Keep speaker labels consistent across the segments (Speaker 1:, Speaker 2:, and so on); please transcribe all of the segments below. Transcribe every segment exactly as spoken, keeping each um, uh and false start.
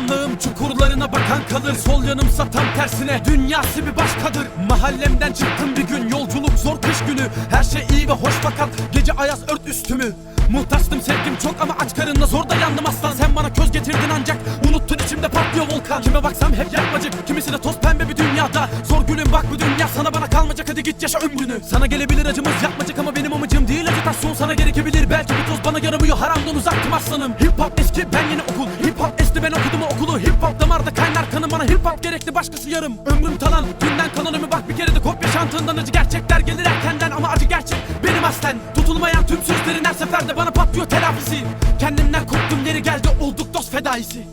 Speaker 1: Karanlığım çukurlarına bakan kalır, sol yanımsa tam tersine dünyası bir başkadır. Mahallemden çıktım bir gün, yolculuk zor kış günü. Her şey iyi ve hoş fakat gece ayaz ört üstümü. Muhtaçtım sevdim çok ama aç karınla zor dayandım aslan. Sen bana köz getirdin ancak unuttun, içimde patlıyor volkan. Kime baksam hep yapmacık, kimisi de toz pembe bir dünyada. Zor gülüm bak bu dünya sana bana kalmayacak, hadi git yaşa ömrünü. Sana gelebilir acımız yapmacık ama benim amacım değil acitasyon. Sana gerekebilir belki bir toz, bana yaramıyor haramdan uzaktım aslanım. Hip hop eski ben yeni okul, hip hop esti ben okudum o okulu. Hip hop damarda kaynar kanım, bana hip hop gerekli başkası yarım. Ömrüm talan dünden kanonumı bak bir kere de kopya şantığından. Acı gerçekler gelir erkenden ama acı gerçek benim aslen. Tutulmayan tüm sözlerin her seferde bana patlıyor telafisi. Kendimden koptum yeri geldi olduk dost fedaisi.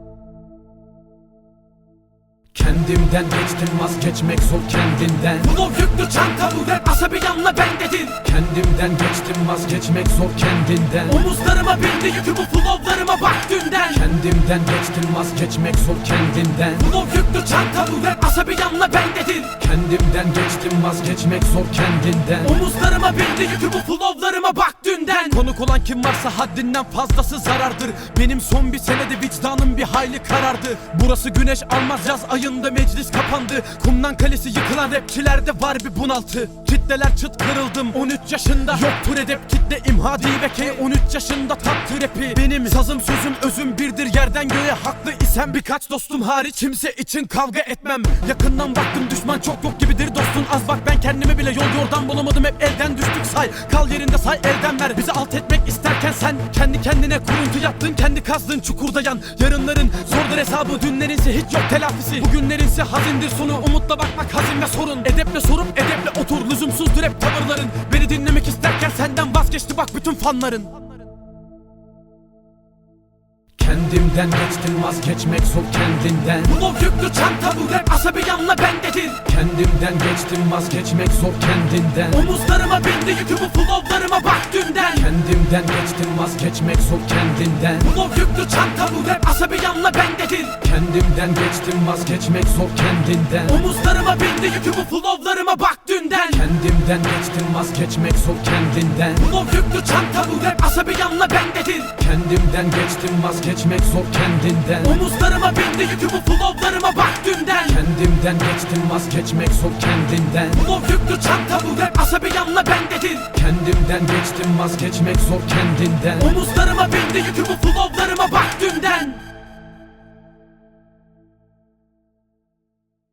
Speaker 2: Kendimden geçtim vazgeçmek zor kendinden.
Speaker 1: Flow yüklü çanta bu rap asabi yanla ben dedin.
Speaker 2: Kendimden geçtim vazgeçmek zor kendinden.
Speaker 1: Omuzlarıma bindi yükü bu flowlarıma bak dünden.
Speaker 2: Kendimden geçtim vazgeçmek zor kendinden.
Speaker 1: Flow yüklü çanta bu rap asabi yanla ben dedin.
Speaker 2: Kendimden geçtim vazgeçmek zor kendinden.
Speaker 1: Omuzlarıma bindi yükü bu flowlarıma bak dünden. Konuk olan kim varsa haddinden fazlası zarardır. Benim son bir senede vicdanım bir hayli karardı. Burası güneş almaz yaz ayında meclis kapandı. Kumdan kalesi yıkılan rapçilerde var bir bunaltı. Kitleler çıt kırıldım on üç yaşında. Yoktur edep kitle imha diveke on üç yaşında tattı rapi. Benim sazım sözüm özüm birdir yerden göğe haklı isem. Birkaç dostum hariç kimse için kavga etmem. Yakından baktım düşman çok yok gibidir dostun az bak. Ben kendimi bile yol yordan bulamadım, hep elden düştük say. Kal yerinde say elden ver, bizi alt etmek isterken sen kendi kendine kuruntu yaptın, kendi kazdığın çukurda yan. Yarınların zordur hesabı, dünlerinse hiç yok telafisi. Bugünlerinse hazindir sonu, umutla bakmak hazin ve sorun. Edeple sorup edeple otur, lüzumsuzdur hep tavırların. Beni dinlemek isterken senden vazgeçti bak bütün fanların.
Speaker 2: Kendimden geçtim vazgeçmek zor kendinden.
Speaker 1: Flow yüklü çanta bu rap asabi yanla ben dedin.
Speaker 2: Kendimden geçtim vazgeçmek zor kendinden.
Speaker 1: Omuzlarıma bindi yükü bu flowlarıma bak dünden.
Speaker 2: Kendimden geçtim vazgeçmek zor kendinden.
Speaker 1: Flow yüklü çanta bu rap asabi yanla ben dedin.
Speaker 2: Kendimden geçtim vazgeçmek zor kendinden.
Speaker 1: Omuzlarıma bindi yükü bu flowlarıma bak dünden.
Speaker 2: Kendimden geçtim vazgeçmek zor kendinden.
Speaker 1: Flow yüklü çanta bu rap asabi yanla ben dedin.
Speaker 2: Kendimden geçtim vazgeçmek zor kendinden.
Speaker 1: Omuzlarıma bindi yükü bu flowlarıma bak dünden.
Speaker 2: Kendimden geçtim vazgeçmek zor kendinden.
Speaker 1: Flow yüklü çanta bu rap asabi yanla ben dedin.
Speaker 2: Kendimden geçtim vazgeçmek zor kendinden.
Speaker 1: Omuzlarıma bindi yükü bu flowlarıma bak dünden.